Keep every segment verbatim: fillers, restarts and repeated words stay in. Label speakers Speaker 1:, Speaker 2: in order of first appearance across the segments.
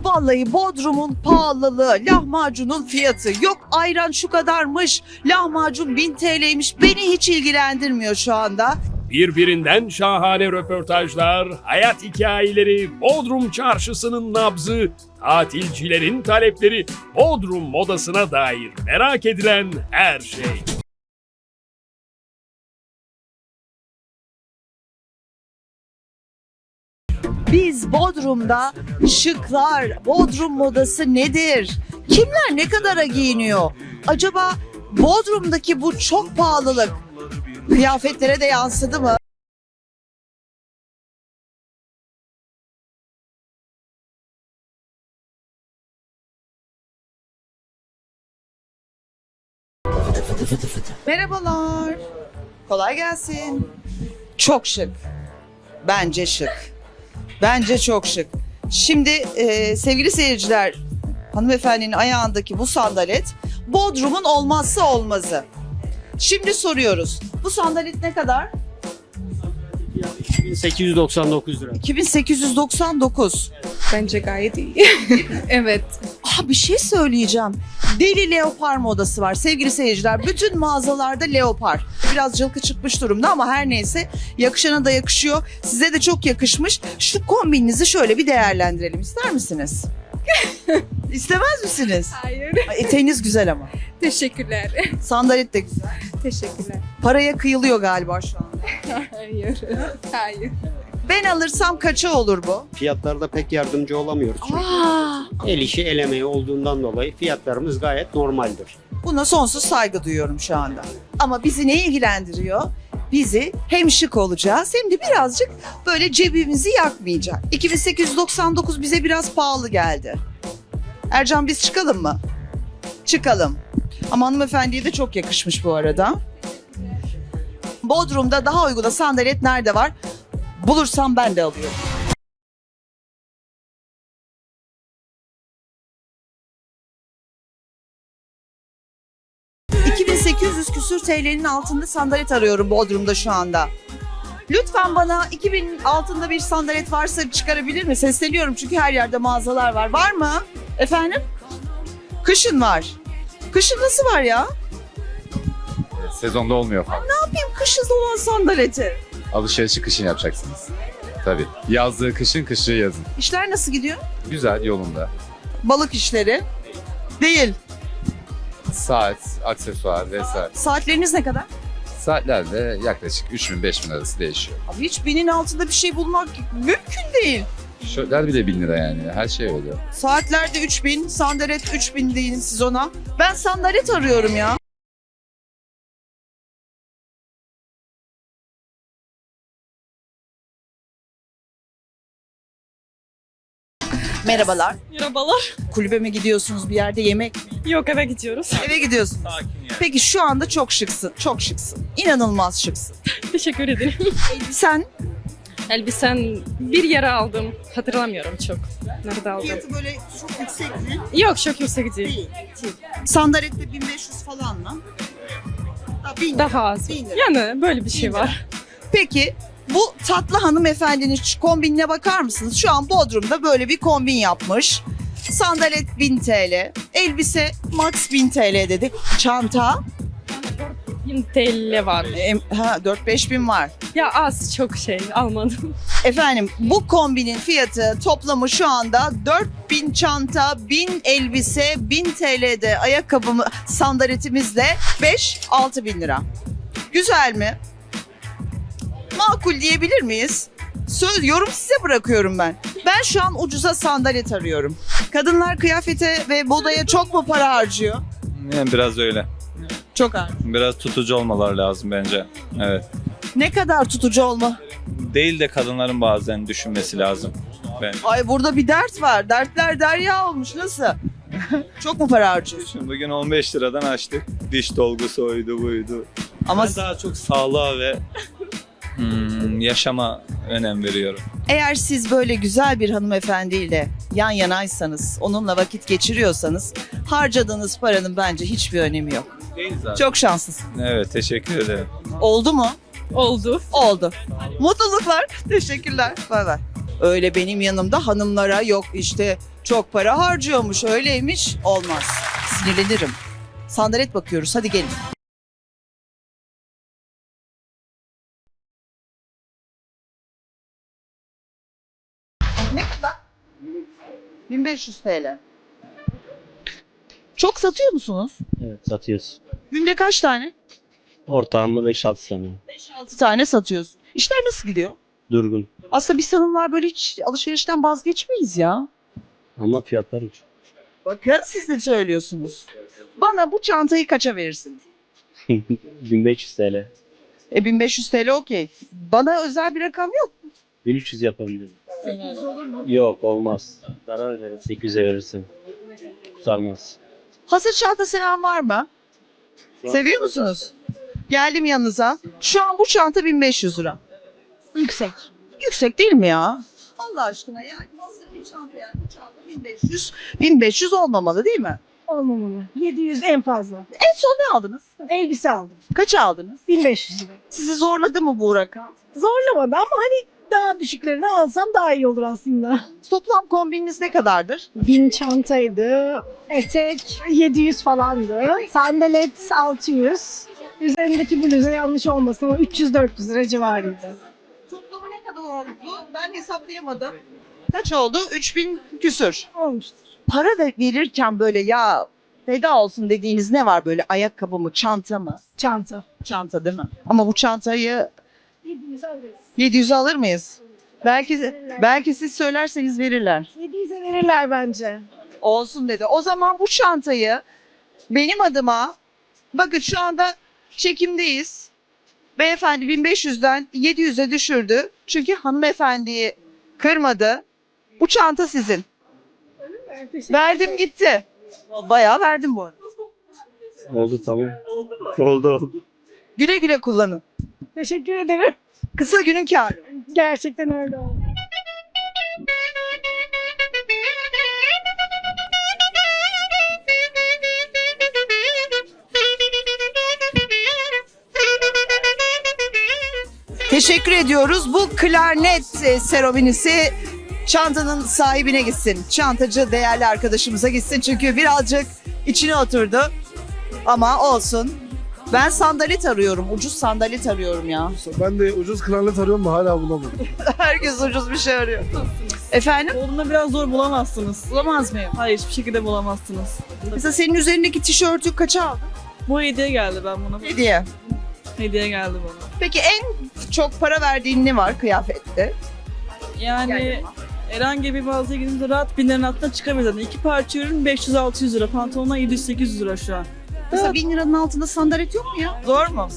Speaker 1: Vallahi Bodrum'un pahalılığı, lahmacunun fiyatı, yok ayran şu kadarmış, lahmacun bin T L'ymiş, beni hiç ilgilendirmiyor şu anda.
Speaker 2: Birbirinden şahane röportajlar, hayat hikayeleri, Bodrum çarşısının nabzı, tatilcilerin talepleri, Bodrum modasına dair merak edilen her şey.
Speaker 1: Biz Bodrum'da şıklar, Bodrum modası nedir? Kimler ne kadara giyiniyor? Acaba Bodrum'daki bu çok pahalılık kıyafetlere de yansıdı mı? Merhabalar. Kolay gelsin. Çok şık. Bence şık. Bence çok şık. Şimdi e, sevgili seyirciler, hanımefendinin ayağındaki bu sandalet Bodrum'un olmazsa olmazı. Şimdi soruyoruz. Bu sandalet ne kadar?
Speaker 3: iki bin sekiz yüz doksan dokuz lira.
Speaker 1: iki bin sekiz yüz doksan dokuz.
Speaker 4: Bence gayet iyi. Evet.
Speaker 1: Ah, bir şey söyleyeceğim. Deli leopar modası var sevgili seyirciler. Bütün mağazalarda leopar. Biraz cılkı çıkmış durumda ama her neyse yakışana da yakışıyor. Size de çok yakışmış. Şu kombininizi şöyle bir değerlendirelim. İster misiniz? İstemez misiniz?
Speaker 4: Hayır.
Speaker 1: Ay, eteğiniz güzel ama.
Speaker 4: Teşekkürler.
Speaker 1: Sandalet de güzel.
Speaker 4: Teşekkürler.
Speaker 1: Paraya kıyılıyor galiba şu anda.
Speaker 4: Hayır. Hayır.
Speaker 1: Ben alırsam kaça olur bu?
Speaker 3: Fiyatlarda pek yardımcı olamıyoruz çünkü.
Speaker 1: Aa,
Speaker 3: El işi el emeği olduğundan dolayı fiyatlarımız gayet normaldir.
Speaker 1: buna sonsuz saygı duyuyorum şu anda. Ama bizi ne ilgilendiriyor? Bizi hem şık olacağız hem de birazcık böyle cebimizi yakmayacak. iki bin sekiz yüz doksan dokuz bize biraz pahalı geldi. Ercan, biz çıkalım mı? Çıkalım. Ama hanımefendiye de çok yakışmış bu arada. Bodrum'da daha uyguna sandalet nerede var? Bulursam ben de alıyorum. iki bin sekiz yüz küsür T L'nin altında sandalet arıyorum Bodrum'da şu anda. Lütfen bana iki bin altında bir sandalet varsa çıkarabilir mi? Sesleniyorum çünkü her yerde mağazalar var. Var mı? Efendim? Kışın var. Kışın nasıl var ya?
Speaker 5: Sezonda olmuyor falan.
Speaker 1: Yapayım kışın olan sandaleti.
Speaker 5: Alışverişi kışın yapacaksınız. Tabii. Yazlığı kışın, kışı yazın.
Speaker 1: İşler nasıl gidiyor?
Speaker 5: Güzel, yolunda.
Speaker 1: Balık işleri. Değil.
Speaker 5: Saat, aksesuar vesaire.
Speaker 1: Saatleriniz ne kadar?
Speaker 5: Saatlerde yaklaşık üç bin beş bin arası değişiyor.
Speaker 1: Abi hiç binin altında bir şey bulmak mümkün değil.
Speaker 5: Şörtler bile bin lira yani. Her şey öyle.
Speaker 1: Saatlerde üç bin, sandalet üç bin deyin siz ona. Ben sandalet arıyorum ya. Merhabalar.
Speaker 4: Merhabalar.
Speaker 1: Kulübe mi gidiyorsunuz, bir yerde yemek mi?
Speaker 4: Yok, eve gidiyoruz.
Speaker 1: Eve gidiyorsunuz. Peki şu anda çok şıksın, çok şıksın. İnanılmaz şıksın.
Speaker 4: Teşekkür ederim.
Speaker 1: Sen
Speaker 4: Elbisen bir yere aldım. Hatırlamıyorum çok. Nerede aldım?
Speaker 1: fiyatı böyle çok yüksek mi?
Speaker 4: Yok, çok yüksek değil.
Speaker 1: Değil. Sandalette bin beş yüz falan mı? Daha bin lira.
Speaker 4: Daha az.
Speaker 1: Bin lira.
Speaker 4: Yani böyle bir şey
Speaker 1: Bin
Speaker 4: var.
Speaker 1: Peki bu tatlı hanımefendinin şu kombinine bakar mısınız? Şu an Bodrum'da böyle bir kombin yapmış. Sandalet bin T L, elbise max bin T L dedi. Çanta
Speaker 4: bin T L var.
Speaker 1: em, ha, dört beş bin var.
Speaker 4: Ya az çok şey almadım.
Speaker 1: Efendim bu kombinin fiyatı toplamı şu anda dört bin çanta, bin elbise, bin T L'de ayakkabımı sandaletimizle beş altı bin lira. Güzel mi? Makul diyebilir miyiz? Söz, yorum size bırakıyorum ben. Ben şu an ucuza sandalet arıyorum. Kadınlar kıyafete ve modaya çok mu para harcıyor?
Speaker 6: Yani biraz öyle.
Speaker 1: Çok az.
Speaker 6: Biraz tutucu olmalar lazım bence. Evet.
Speaker 1: Ne kadar tutucu olma?
Speaker 6: Değil de kadınların bazen düşünmesi lazım. Bence.
Speaker 1: Ay burada bir dert var. Dertler derya olmuş. Nasıl? Çok mu para harcıyorsun?
Speaker 6: Şimdi bugün on beş liradan açtık. Diş dolgusu oydu buydu.
Speaker 1: Ama
Speaker 6: Ben daha çok sağlığa ve hmm, yaşama önem veriyorum.
Speaker 1: eğer siz böyle güzel bir hanımefendiyle yan yanaysanız, onunla vakit geçiriyorsanız harcadığınız paranın bence hiçbir önemi yok.
Speaker 6: Değil zaten.
Speaker 1: Çok şanslısın.
Speaker 6: Evet, teşekkür ederim.
Speaker 1: Oldu mu?
Speaker 4: Oldu.
Speaker 1: Oldu. Mutluluklar. Teşekkürler. Bay bay. Öyle benim yanımda hanımlara yok işte Çok para harcıyormuş, öyleymiş. Olmaz. Sinirlenirim. Sandalet bakıyoruz, hadi gelin. Ne kadar? bin beş yüz T L. Çok satıyor musunuz?
Speaker 3: Evet, satıyoruz.
Speaker 1: Günde kaç tane?
Speaker 3: Ortağımda beş altı tane.
Speaker 1: beş altı tane satıyorsun. İşler nasıl gidiyor?
Speaker 3: Durgun.
Speaker 1: Aslında biz hanımlar böyle hiç alışverişten vazgeçmeyiz ya.
Speaker 3: Ama fiyatlar uçuk.
Speaker 1: Bakın siz de söylüyorsunuz. Bana bu çantayı kaça verirsin?
Speaker 3: bin beş yüz T L.
Speaker 1: E bin beş yüz T L okey. Bana özel bir rakam yok.
Speaker 3: bin üç yüz yapabilirim. Yok, olmaz. Zarar verir. sekiz yüze verirsin. Sarmaz.
Speaker 1: Hasır çanta seven var mı? Seviyor musunuz? Geldim yanınıza. Şu an bu çanta bin beş yüz lira. Yüksek. Yüksek değil mi ya? Allah aşkına yani hasır bir çanta yani bu çanta bin beş yüz. bin beş yüz olmamalı değil mi?
Speaker 7: Olmamalı. yedi yüz en fazla.
Speaker 1: En son ne aldınız?
Speaker 7: Elbise aldım.
Speaker 1: Kaça aldınız?
Speaker 7: bin beş yüz lira.
Speaker 1: Sizi zorladı mı bu rakam?
Speaker 7: Zorlamadı ama hani daha düşüklerini alsam daha iyi olur aslında.
Speaker 1: Toplam kombininiz ne kadardır?
Speaker 7: bin çantaydı. Etek yedi yüz falandı. Sandalet altı yüz. Üzerindeki bluza yanlış olmasın ama üç yüz dört yüz lira civarıydı.
Speaker 1: Toplamı ne kadar oldu? Ben hesaplayamadım. Kaç oldu? üç bin küsür.
Speaker 7: Olmuştur.
Speaker 1: Para da verirken böyle ya feda olsun dediğiniz ne var böyle ayakkabı mı, çanta mı?
Speaker 7: Çanta.
Speaker 1: Çanta değil mi? Ama bu çantayı
Speaker 7: yedi yüz alırız.
Speaker 1: yedi yüze alır mıyız? Belki belki siz söylerseniz verirler.
Speaker 7: yedi yüze verirler bence.
Speaker 1: Olsun dedi. O zaman bu çantayı benim adıma bakın şu anda çekimdeyiz. Beyefendi bin beş yüzden yedi yüze düşürdü. Çünkü hanımefendiyi kırmadı. Bu çanta sizin.
Speaker 7: Teşekkür
Speaker 1: Verdim gitti. Bayağı verdim bu arada.
Speaker 3: Oldu, tamam. Oldu oldu.
Speaker 1: Güle güle kullanın.
Speaker 7: Teşekkür ederim.
Speaker 1: Kısa günün kârı.
Speaker 7: Gerçekten öyle oldu.
Speaker 1: Teşekkür ediyoruz. Bu klarnet e, seremonisi çantanın sahibine gitsin. Çantacı değerli arkadaşımıza gitsin. Çünkü birazcık içine oturdu. Ama olsun. Ben sandalet arıyorum. Ucuz sandalet arıyorum ya.
Speaker 8: Ben de ucuz klarnet arıyorum da hala bulamadım.
Speaker 1: Herkes ucuz bir şey arıyor. Efendim?
Speaker 9: Bodrum'da biraz zor bulamazsınız.
Speaker 1: Bulamaz mıyım?
Speaker 9: Hayır, hiçbir şekilde bulamazsınz.
Speaker 1: Mesela senin üzerindeki tişörtü kaça aldın?
Speaker 9: Bu hediye geldi ben buna.
Speaker 1: Hediye.
Speaker 9: Hediye geldi bana.
Speaker 1: Peki en çok para verdiğin ne var kıyafette?
Speaker 9: Yani
Speaker 1: Yani-
Speaker 9: herhangi bir mağazaya gidince rahat bin liranın altına çıkabilir zaten. İki parça ürün beş yüz altı yüz lira. Pantolonlar yedi yüz sekiz yüz lira şu an.
Speaker 1: Mesela bin liranın altında sandalet yok mu ya? Zor mu?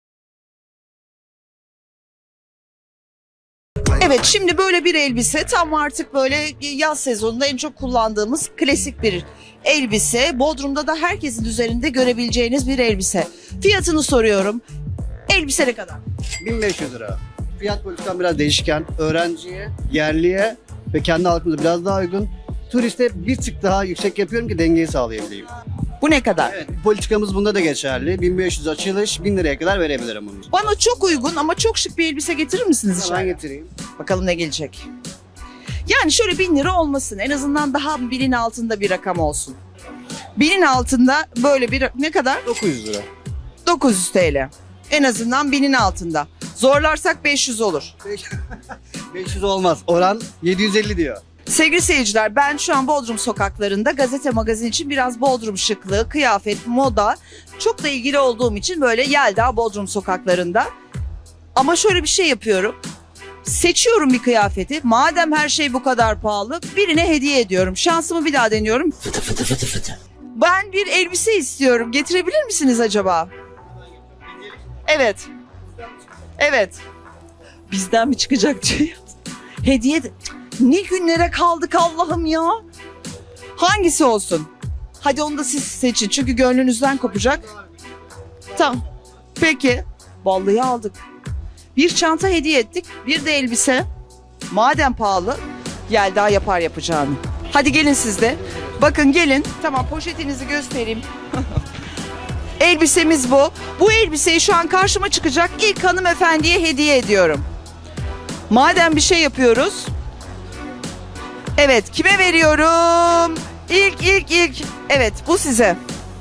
Speaker 1: Evet, şimdi böyle bir elbise tam artık böyle yaz sezonunda en çok kullandığımız klasik bir elbise. Bodrum'da da herkesin üzerinde görebileceğiniz bir elbise. Fiyatını soruyorum. Elbise ne kadar?
Speaker 10: bin beş yüz lira. Fiyat politikam biraz değişken. Öğrenciye, yerliye ve kendi halkımıza biraz daha uygun. Turiste bir tık daha yüksek yapıyorum ki dengeyi sağlayabileyim.
Speaker 1: Bu ne kadar?
Speaker 10: Evet, politikamız bunda da geçerli. bin beş yüz açılış, bin liraya kadar verebilirim bunu.
Speaker 1: Bana çok uygun ama çok şık bir elbise getirir misiniz
Speaker 10: Ben
Speaker 1: dışarı?
Speaker 10: getireyim.
Speaker 1: Bakalım ne gelecek. Yani şöyle bin lira olmasın. En azından daha binin altında bir rakam olsun. Binin altında böyle bir ne kadar?
Speaker 10: dokuz yüz lira.
Speaker 1: dokuz yüz T L. En azından binin altında. Zorlarsak beş yüz olur.
Speaker 10: beş yüz olmaz. Oran yedi yüz elli diyor.
Speaker 1: Sevgili seyirciler, ben şu an Bodrum sokaklarında gazete magazin için biraz Bodrum şıklığı, kıyafet, moda çok da ilgili olduğum için böyle Yelda Bodrum sokaklarında. Ama şöyle bir şey yapıyorum. Seçiyorum bir kıyafeti. Madem her şey bu kadar pahalı, birine hediye ediyorum. Şansımı bir daha deniyorum. Fıtı fıtı fıtı fıtı. Ben bir elbise istiyorum. Getirebilir misiniz acaba? Evet. Evet. Bizden mi çıkacak diyor. Hediye de... Ne günlere kaldık Allah'ım ya. Hangisi olsun? Hadi onu da siz seçin çünkü gönlünüzden kopacak. Tamam. Peki. Vallahi aldık. Bir çanta hediye ettik. Bir de elbise. Madem pahalı, Yelda yapar yapacağını. Hadi gelin siz de. Bakın gelin. Tamam, poşetinizi göstereyim. Elbisemiz bu. Bu elbiseyi şu an karşıma çıkacak ilk hanımefendiye hediye ediyorum. Madem bir şey yapıyoruz. Evet, kime veriyorum? İlk, ilk, ilk. Evet, bu size.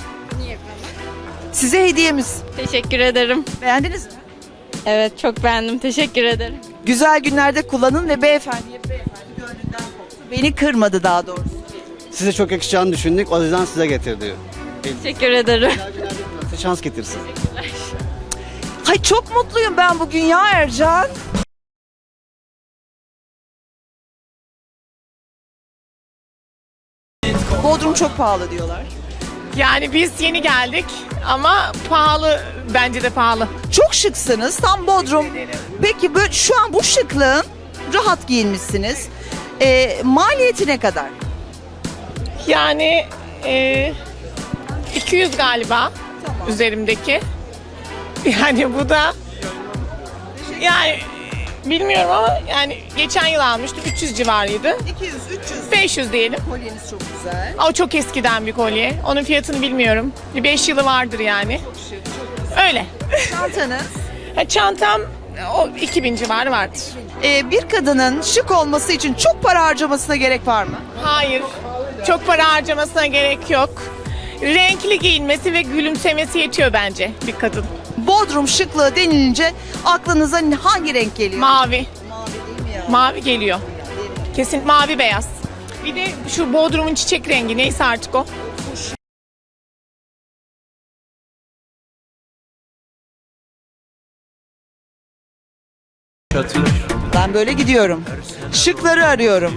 Speaker 1: Size hediyemiz.
Speaker 4: Teşekkür ederim.
Speaker 1: Beğendiniz mi?
Speaker 4: Evet çok beğendim. Teşekkür ederim.
Speaker 1: Güzel günlerde kullanın ve beyefendiye beyefendi gönlünden koptu. Beni kırmadı daha doğrusu.
Speaker 10: Size çok yakışacağını düşündük. O yüzden size getirdi.
Speaker 4: Teşekkür ederim.
Speaker 10: Size şans getirsin.
Speaker 1: Hay çok mutluyum ben bugün ya Ercan. Bodrum çok pahalı diyorlar.
Speaker 11: Yani biz yeni geldik ama pahalı, bence de pahalı.
Speaker 1: Çok şıksınız. Tam Bodrum. Peki böyle, şu an bu şıklığın rahat giyinmişsiniz. Ee, maliyeti ne kadar?
Speaker 11: Yani e, iki yüz galiba üzerimdeki. Yani bu da yani bilmiyorum ama yani geçen yıl almıştım üç yüz civarıydı.
Speaker 1: iki yüz üç yüz.
Speaker 11: beş yüz diyelim.
Speaker 1: Kolyeniz çok güzel.
Speaker 11: O çok eskiden bir kolye. Onun fiyatını bilmiyorum. Bir beş yılı vardır yani. Öyle.
Speaker 1: Çantanız.
Speaker 11: Ha, çantam o iki bin civarı vardır.
Speaker 1: Ee, bir kadının şık olması için çok para harcamasına gerek var mı?
Speaker 11: Hayır. Çok para harcamasına gerek yok. Renkli giyinmesi ve gülümsemesi yetiyor bence bir kadın.
Speaker 1: Bodrum şıklığı denilince aklınıza hangi renk geliyor?
Speaker 11: Mavi.
Speaker 1: Mavi değil mi ya?
Speaker 11: Mavi geliyor. Kesin mavi beyaz. Bir de şu Bodrum'un çiçek rengi neyse artık o.
Speaker 1: Ben böyle gidiyorum. Şıkları arıyorum.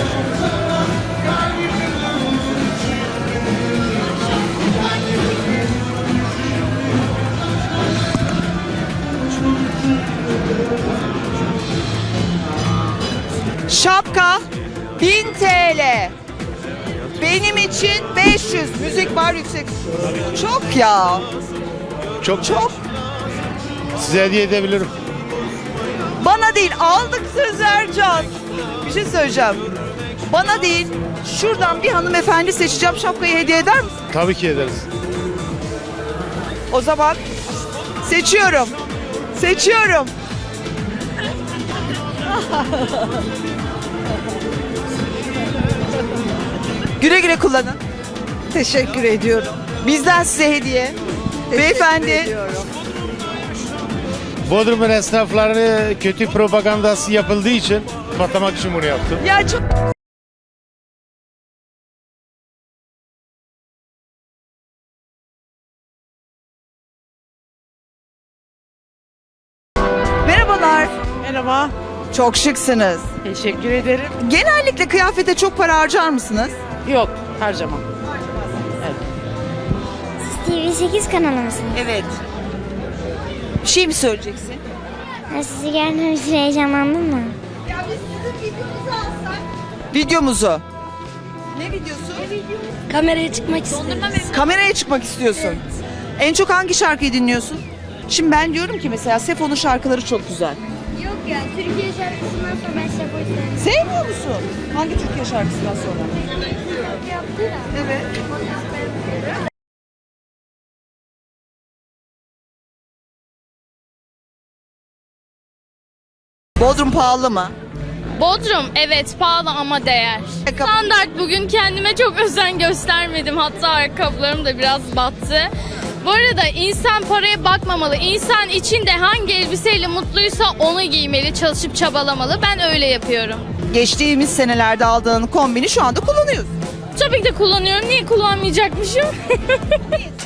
Speaker 1: Şapka bin T L. Benim için beş yüz. Müzik var yüksek. Çok ya.
Speaker 8: Çok
Speaker 1: Çok.
Speaker 8: size hediye edebilirim.
Speaker 1: Bana değil, aldık söz Ercan. Bir şey söyleyeceğim. Bana değil, şuradan bir hanımefendi seçeceğim, şapkayı hediye eder misin?
Speaker 8: Tabii ki ederiz.
Speaker 1: O zaman seçiyorum. Seçiyorum. Güle güle kullanın. Teşekkür ediyorum. Bizden size hediye. Beyefendi.
Speaker 8: Bodrum'un esnaflarını kötü propagandası yapıldığı için patlamak için bunu yaptım.
Speaker 1: Ya çok... Merhabalar.
Speaker 9: Merhaba.
Speaker 1: Çok şıksınız.
Speaker 9: Teşekkür ederim.
Speaker 1: Genellikle kıyafete çok para harcar mısınız?
Speaker 9: Yok, harcamam.
Speaker 12: T V sekiz kanalı mısınız?
Speaker 1: Evet. Bir şey mi söyleyeceksin?
Speaker 12: Ha, sizi gördüğüm için heyecanlandım mı?
Speaker 1: Videomuzu. Ne videosu?
Speaker 12: Kameraya çıkmak istiyorum.
Speaker 1: Kameraya çıkmak istiyorsun. En çok hangi şarkıyı dinliyorsun? Şimdi ben diyorum ki mesela Sefo'nun şarkıları çok güzel.
Speaker 12: Yok ya, Türkiye şarkısından sonra ben Sefo'yu sevdim.
Speaker 1: Sevmiyor musun? Hangi Türkiye şarkısından sonra? Evet. Bodrum pahalı mı?
Speaker 4: Bodrum evet pahalı ama değer.
Speaker 1: Ayakkabı-
Speaker 4: Standart bugün kendime çok özen göstermedim. Hatta ayakkabılarım da biraz battı. Bu arada insan paraya bakmamalı. İnsan içinde hangi elbiseyle mutluysa onu giymeli, çalışıp çabalamalı. Ben öyle yapıyorum.
Speaker 1: Geçtiğimiz senelerde aldığın kombini şu anda kullanıyorsun.
Speaker 4: Tabii ki de kullanıyorum. Niye kullanmayacakmışım?